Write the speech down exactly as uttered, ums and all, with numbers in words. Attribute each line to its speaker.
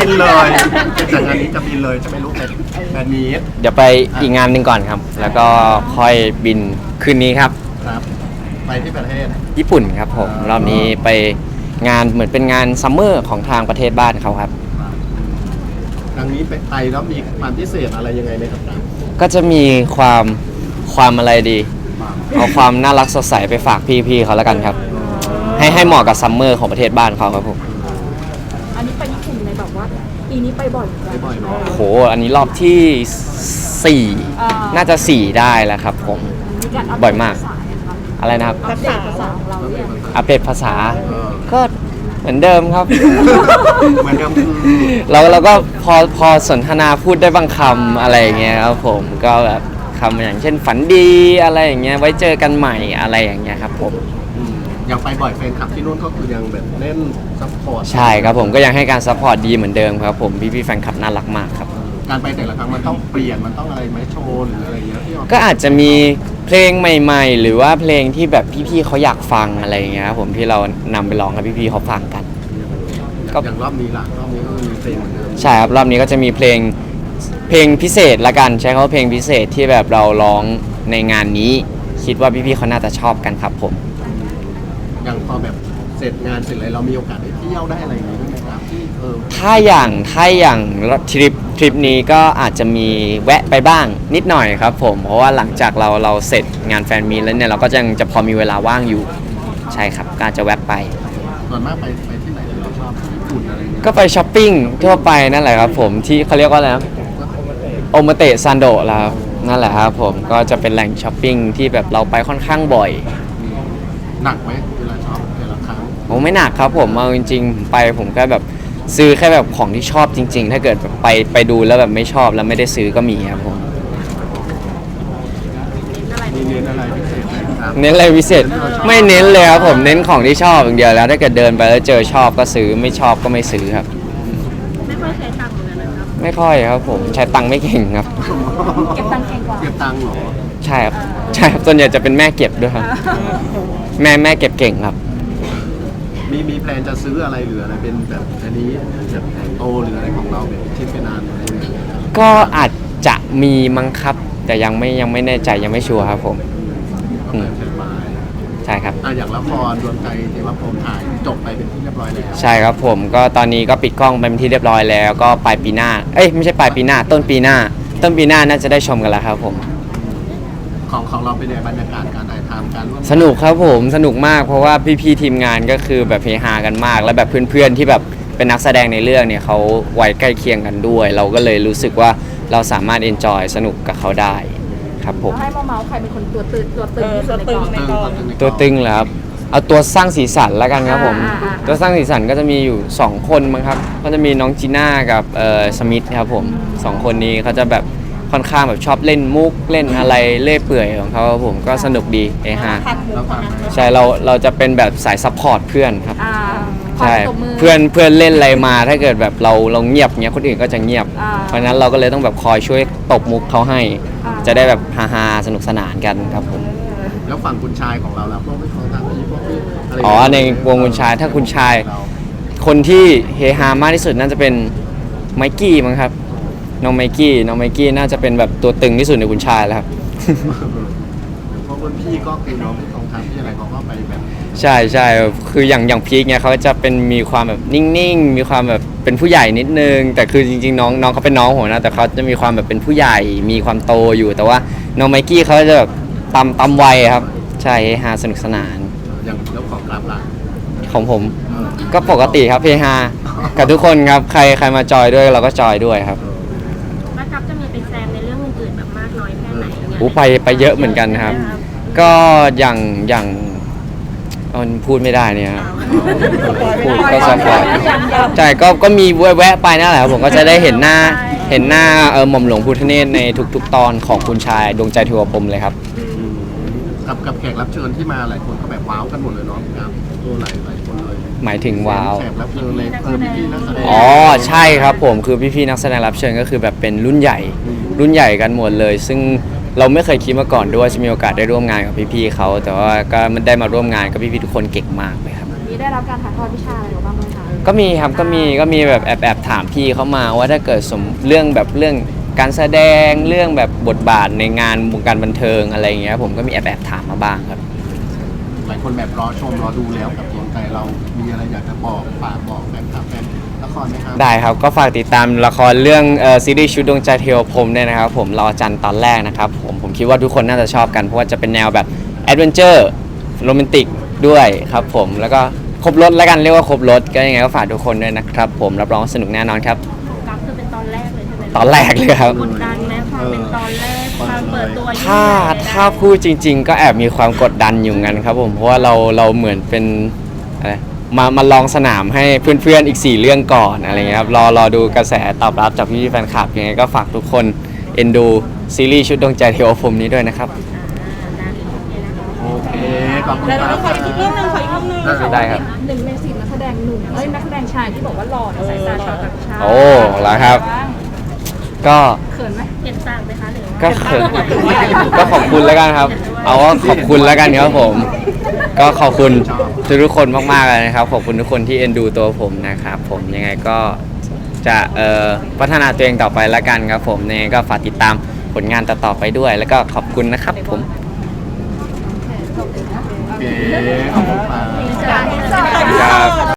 Speaker 1: นเลยจากงานนี้จะบินเลยจะไม่รู้เป็นแฟนมีต
Speaker 2: เดี๋ยวไปอีกงานหนึ่งก่อนครับแล้วก็ค่อยบินคืนนี้ครับ
Speaker 1: ครับไปที่ประเทศ
Speaker 2: ญี่ปุ่นครับผมรอบนี้ไปงานเหมือนเป็นงานซัมเมอร์ของทางประเทศบ้านเขาครับ
Speaker 1: ครั้งนี้ไปไทยแล้วมีความพิเศษอะไรยังไงไหมครับ
Speaker 2: ก็จะมีความความอะไรดีเอาความน่ารักสดใสไปฝากพี่ๆเขาแล้วกันครับให้ให้เหมาะกับซัมเมอร์ของประเทศบ้านเขาครับผม
Speaker 3: อันนี้ไปญี่ปุ่นในแบบว่าปีนี้ไปบ่อยไป
Speaker 1: บ่อยเนาะ
Speaker 2: โหอันนี้รอบที่สี่น่าจะสี่ได้แล้วครับผมบ่อยมากอะไรนะครับ
Speaker 3: อัปเดตภาษาของเราเนี่ย
Speaker 2: อัปเดตภาษาก็เหมือนเดิมครับ
Speaker 1: เหมือนเดิม
Speaker 2: เราเราก็พอพอสนทนาพูดได้บางคำอะไรอย่างเงี้ยครับผมก็แบบคำอย่างเช่นฝันดีอะไรอย่างเงี้ยไว้เจอกันใหม่อะไรอย่างเงี้ยครับผม
Speaker 1: ยังไปบ่อยแฟนคลับที่นู่นก็คือยังแบบเล่นซัพพอร์ต
Speaker 2: ใช่ครับผมก็ยังให้การซัพพอร์ตดีเหมือนเดิมครับผมพี่ๆแฟนคลับน่ารักมากครับ
Speaker 1: การไปแต่ละครั้งมันต้องเปลี่ยนมันต้องอะไรไหมโชว์หรืออะไรเงี้ยที่
Speaker 2: ก็อาจจะมีเพลงใหม่ๆหรือว่าเพลงที่แบบพี่ๆเขาอยากฟังอะไรอย่างเงี้ยครับผมที่เรานำไปร้องให้พี่ๆเขาฟังกัน
Speaker 1: ก็อย่างรอบนี้ล่ะรอบนี้ก็มีเพลงเหมือนเดิม
Speaker 2: ใช่ครับรอบนี้ก็จะมีเพลงเพลงพิเศษละกันใช้คำว่าเพลงพิเศษที่แบบเราร้องในงานนี้คิดว่าพี่ๆเขาน่าจะชอบกันครับผม
Speaker 1: อย่างพอแบบเสร็จงานเสร็จเลยเรามีโอกาสได้เที่ยวได้อะไรอย่างนี้ด้วยไหมครับที่เออ
Speaker 2: ถ้าอย่างถ้าอย่างทริปทริปนี้ก็อาจจะมีแวะไปบ้างนิดหน่อยครับผมเพราะว่าหลังจากเราเราเสร็จงานแฟนมีตแล้วเนี่ยเราก็ยังจะพอมีเวลาว่างอยู่ใช่ครับก็จะแวะไป
Speaker 1: ส่วนมากไปไปที่ไหนเราชอบญี่ปุ่นอะไรเงี้ย
Speaker 2: ก็ไปช้อปปิ้งทั่วไปนั่นแหละครับผมที่เขาเรียกว่าอะไรนะโอมาเตะซันโดะแล้วนั่นแหละครับผมก็จะเป็นแหล่งช้อปปิ้งที่แบบเราไปค่อนข้างบ่อย
Speaker 1: หนักไหมเวลาช็อปแต่ละครั้ง
Speaker 2: ผมไม่หนักครับผมเอาจริงๆไปผมก็แบบซื้อแค่แบบของที่ชอบจริงๆถ้าเกิดไปไปดูแล้วแบบไม่ชอบแล้วไม่ได้ซื้อก็มีครับผม
Speaker 1: มีเน้นอะไรพิเศษไหมครับ
Speaker 2: เน้นอะไรพิเศษไม่เน้นเลยครับผมเน้นของที่ชอบอย่างเดียวแล้วถ้าเกิดเดินไปแล้วเจอชอบก็ซื้อไม่ชอบก็ไม่ซื้อครับ
Speaker 3: ไม่ค่อยใช้ตังค์เหมือนกันนะครับ
Speaker 2: ไม่ค่อยครับผมใช้ตังค์ไม่เก่งครับ
Speaker 3: เก็บตังค์เก่งกว่า
Speaker 1: เก็บตังค์เหรอ
Speaker 2: ใช่ครับใช่ครับส่วนใหญ่จะเป็นแม่เก็บด้วยครับแม่แม่เก็บเก่งครับ
Speaker 1: มีมีแพลนจะซื้ออะไรหรืออะไรเป็นแบบอันนี้แบบโตหรืออะไรของเราแบบชิ้นเป็นนานอะไรอย่างเงี้ย
Speaker 2: ก็อาจจะมีมั้งครับแต่ยังไม่ยังไม่แน่ใจยังไม่ชัวร์ครับผมใช่ครับ
Speaker 1: อ่ะอย่างละครดวงใจเทวพรหมถ่ายจบไปเป็นที่เรียบร้อยแล้ว
Speaker 2: ใช่ครับผมก็ตอนนี้ก็ปิดกล้องไปเป็นที่เรียบร้อยแล้วก็ปลายปีหน้าเอ้ยไม่ใช่ปลายปีหน้าต้นปีหน้าต้นปีหน้าน่าจะได้ชมกันแล้วครับผม
Speaker 1: ของของเราเป็นในบรรยากาศการถ่ายทำการร่วม
Speaker 2: สนุกครับผมสนุกมากเพราะว่าพี่ๆทีมงานก็คือแบบเฮฮากันมากและแบบเพื่อนๆที่แบบเป็นนักแสดงในเรื่องเนี่ยเขาวัยใกล้เคียงกันด้วยเราก็เลยรู้สึกว่าเราสามารถเอนจอยสนุกกับเขาได้ครับผม
Speaker 3: ให้มาเมาส์ใครเป็นคนตัวตึงตัวตึงที่สุดในกอง
Speaker 2: ตัวตึงเหรอครับเอาตัวสร้างสีสันแล้วกันครับผมตัวสร้างสีสันก็จะมีอยู่สองคนมั้งครับก็จะมีน้องจีน่ากับเอ่อสมิธครับผมสองคนนี้เขาจะแบบค่อนข้างแบบชอบเล่นมุกเล่นอะไรเล่อยเปื่อยของเขาผมก็สนุกดีเอฮาใช่เราเราจะเป็นแบบสายซัพพอร์ตเพื่อนครับใช่เพื่อนเพื่อนเล่นอะไรมาถ้าเกิดแบบเราเราเงียบเงี้ยคนอื่นก็จะเงียบเพราะนั้นเราก็เลยต้องแบบคอยช่วยตบมุกเขาให้จะได้แบบฮาๆสนุกสนานกันครับผม
Speaker 1: แล้วฝั่งคุณชายของเราแล้วพวกไม่ของทางพี่พวกพี่อะไร
Speaker 2: อ๋อในวงคุณชายถ้าคุณชายคนที่เฮฮามากที่สุดน่าจะเป็นไมกี้มั้งครับน้องไมกี้น้องไมกี้น่าจะเป็นแบบตัวตึงที่สุดในคุณชายแล้วครับ
Speaker 1: เพราะคนพี่ก็คือน้องของทางพี่อะไรเขาก็ไปแบบ
Speaker 2: ใช่ใช่คืออย่างอย่างพีคเนี่ยเขาจะเป็นมีความแบบนิ่งๆมีความแบบเป็นผู้ใหญ่นิดนึงแต่คือจริงๆน้องน้องเขาเป็นน้องผมนะแต่เขาจะมีความแบบเป็นผู้ใหญ่มีความโตอยู่แต่ว่าน้องไมกี้เขาจะแบบตำตำวัยครับใช่เฮฮาสนุกสนาน
Speaker 1: อย่างแล้วของรับล่ะ
Speaker 2: ของผมก็ปกติครับเฮฮากับทุกคนครับใครใครมาจอยด้วยเราก็จอยด้วยครับ
Speaker 3: จะมีไปแซมในเรื่องอื่นๆแบบมากน้อยแค่ไหนเนี่ย
Speaker 2: โอ้ไปไปเยอะเหมือนกันครับก็อย่างอย่างมันพูดไม่ได้เนี่ยพูดก็สปอยใช่ก็ก็มีแวะไปนั่นแหละผมก็จะได้เห็นหน้าเห็นหน้าเออหม่อมหลวงพุทธเนตรในทุกๆตอนของคุณชายดวงใจเทวพรหมเลยครับ
Speaker 1: กับกับแขกรับเชิญที่มาหลายคนก็แบบว้าวกันหมดเลยเนาะครับตัวหลายหลายคนเลย
Speaker 2: หมายถึงว้าว
Speaker 1: แขกรับเชิญเลยเออพี่ๆนักแสดง
Speaker 2: อ๋อใช่ครับผมคือพี่ๆนักแสดงรับเชิญก็คือแบบเป็นรุ่นใหญ่รุ่นใหญ่กันหมดเลยซึ่งเราไม่เคยคิดมาก่อนด้วยจะมีโอกาสได้ร่วมงานกับพี่ๆเขาแต่ว่าก็มันได้มาร่วมงานกับพี่ๆทุกคนเก่งมากเลยครับ
Speaker 4: นี้ได้รับการถ่ายทอดวิชาอะไรบ้างไหมคะ
Speaker 2: ก็มีครับก็มีก็มีแบบแอบแอบถามพี่เขามาว่าถ้าเกิดสมเรื่องแบบเรื่องการแสดงเรื่องแบบบทบาทในงานวงการบันเทิงอะไรอย่างเงี้ยผมก็มีแอบแอบถามมาบ้างครับ
Speaker 1: หลายคนแบบรอชมรอดูแล้วกับดวงใจเรามีอะไรอยากจะบอกฝากบอกแฟนคลับแฟนละครไหมครับ
Speaker 2: ได้ครับก็ฝากติดตามละครเรื่องเอ่อซีรีส์ชุดดวงใจเทวพรหมด้วยนะครับผมรอจันทร์ตอนแรกนะครับผมผมคิดว่าทุกคนน่าจะชอบกันเพราะว่าจะเป็นแนวแบบแอดเวนเจอร์โรแมนติกด้วยครับผมแล้วก็ครบรถแล้วกันเรียกว่าครบรถก็ยังไงก็ฝากทุกคนด้วยนะครับผมรับรองว่าสนุกแน่นอนครับ
Speaker 3: ของกัฟคือเป็นตอนแรกเลยใช่ไหม
Speaker 2: ตอนแรกเลยครับ
Speaker 3: กดดันไหมความเป็นตอนแรกความเปิดตัวยิ่ง
Speaker 2: ถ้า
Speaker 3: ใหญ่เลยนะ
Speaker 2: ถ้าพูดจริง ๆ ก็แอบมีความกดดันอยู่งั้นครับผมเพราะว่าเราเราเหมือนเป็นอะไรมามาลองสนามให้เพื่อนๆอีกสี่เรื่องก่อนอะไรเงี้ยครับรอรอดูกระแสตอบรับจากพี่ๆแฟนคลับยังไงก็ฝากทุกคนเอ็นดูซีรีส์ชุดดวงใจเทวพรหมนี้ด้วยนะครับ
Speaker 1: โอเคขอบคุณ
Speaker 4: แล้ว
Speaker 1: ค
Speaker 4: เรา
Speaker 1: รับ
Speaker 4: ขออีกเรื่องหนึงขออีกเรื่องหนึง
Speaker 2: ได้ครับ
Speaker 4: หนึ่งในสี่นักแสดงหนุ่มเอ้ยนักแสดงชายที่บอกว่าหล่อในสายตาชาวต่างชาติ
Speaker 2: โอ้แล้วครับ ก็
Speaker 4: เขินไหม
Speaker 3: เห็นต่างไหมคะหรือว่า
Speaker 2: ก็เขินก็ขอบคุณแล้วกันครับ เอาว่าขอบคุณแล้วกันครับผม ก็ขอบคุณทุกๆคนมากๆเลยนะครับ ขอบคุณทุกคนที่เอ็นดูตัวผมนะครับผมยังไงก็จะเอ่อพัฒนาตัวเองต่อไปแล้วกันครับผมยังไงก็ฝากติดตามผลงานต่อๆไปด้วย แล้วก็ขอบคุณนะครับผม
Speaker 1: โอเคขอบคุณครับ
Speaker 2: ครับ